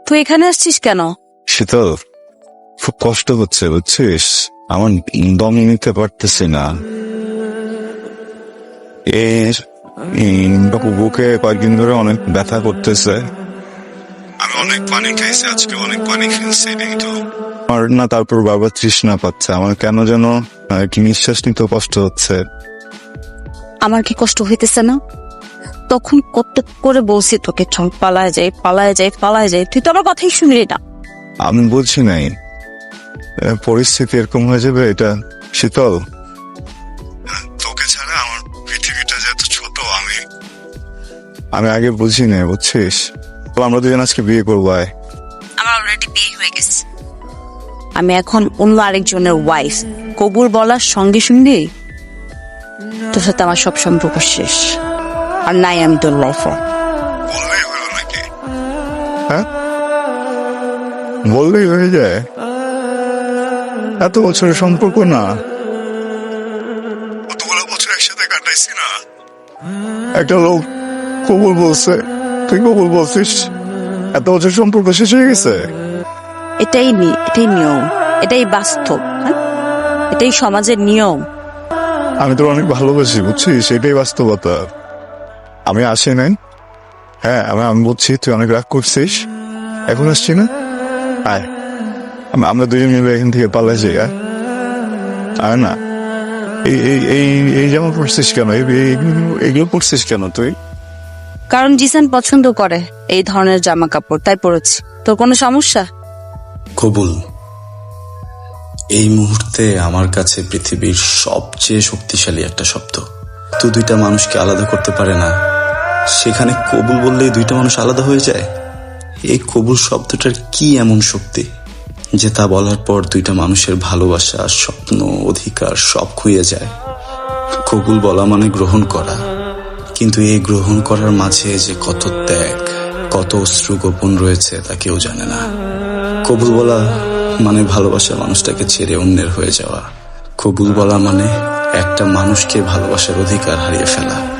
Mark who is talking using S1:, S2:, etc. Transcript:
S1: তুই এখানে আসছিস কেন?
S2: শীতল, খুব কষ্ট হচ্ছে বুঝছিস, আমার দম নিতে পারতেছি না। বুকে কয়েকদিন ধরে অনেক ব্যথা করতেছে। আমি অনেক পানি খাইছি, আজকে অনেক পানি খেয়েছি কিন্তু আমার না, তারপর বারবার তৃষ্ণা পাচ্ছে। আমার কেন যেন কি নিঃশ্বাস নিতে কষ্ট হচ্ছে।
S1: আমার কি কষ্ট হইতেছে না? তখন কত করে বলছি তোকে, চল পালায় যাই পালায় যাই পালায় যাই, তুই তো আমার কথাই শুনলি না।
S2: আমি বলছি নাই পরিস্থিতি এরকম হয়ে যাবে এটা। শীতল, তোকে ছাড়া আমার পৃথিবীটা যে এত ছোট আমি আগে বুঝি নাই বুঝছিস। তো আমরা দুজন আজকে বিয়ে করবো।
S1: আমার অলরেডি বিয়ে হয়ে গেছে। আমি এখন অন্য আরেকজনের ওয়াইফ। কবুল বলার সঙ্গে সঙ্গে তোর সাথে আমার সব সম্পর্ক শেষ, আর নাই আমি তোর লাইফে।
S2: বললেই হলো নাকি? হ্যাঁ, বললেই হয়ে যায়? এত বছরের সম্পর্ক না, কতগুলো বছর একসাথে কাটাইছি না। একটা লোক কবুল বলছে, তুই কবুল বলছিস, এত বছর সম্পর্ক শেষ হয়ে গেছে।
S1: এটাই নিয়ম, এটাই বাস্তব, হ্যাঁ? এটাই সমাজের নিয়ম।
S2: আমি তোর অনেক ভালোবাসি বুঝছিস, এটাই বাস্তবতা। আমি আসি নাই, হ্যাঁ আমি বুঝছি তুই অনেক রাগ করছিস, এখন আসছি না। আয়, আমরা দুজন মিলে এখান থেকে পালাই যাই। আর না, এই জামা পড়ছিস কেন, এগুলো পড়ছিস কেন তুই?
S1: কারণ জিসান পছন্দ করে এই ধরনের জামা কাপড়, তাই পরেছি। তোর কোনো সমস্যা?
S3: কবুল, এই মুহূর্তে আমার কাছে পৃথিবীর সবচেয়ে শক্তিশালী একটা শব্দ। তো দুইটা মানুষকে আলাদা করতে পারে না, সেখানে কবুল বললেই দুইটা মানুষ আলাদা হয়ে যায়। এই কবুল শব্দটার কি এমন শক্তি যে তা বলার পর দুইটা মানুষের ভালোবাসা, স্বপ্ন, অধিকার সব খুইয়ে যায়। কবুল বলা মানে গ্রহণ করা, কিন্তু এই গ্রহণ করার মাঝে যে কত ত্যাগ, কত অশ্রু গোপন রয়েছে তা কেউ জানে না। কবুল বলা মানে ভালোবাসার মানুষটাকে ছেড়ে অন্যের হয়ে যাওয়া। কবুল বলা মানে একটা মানুষকে ভালোবাসার অধিকার হারিয়ে ফেলা।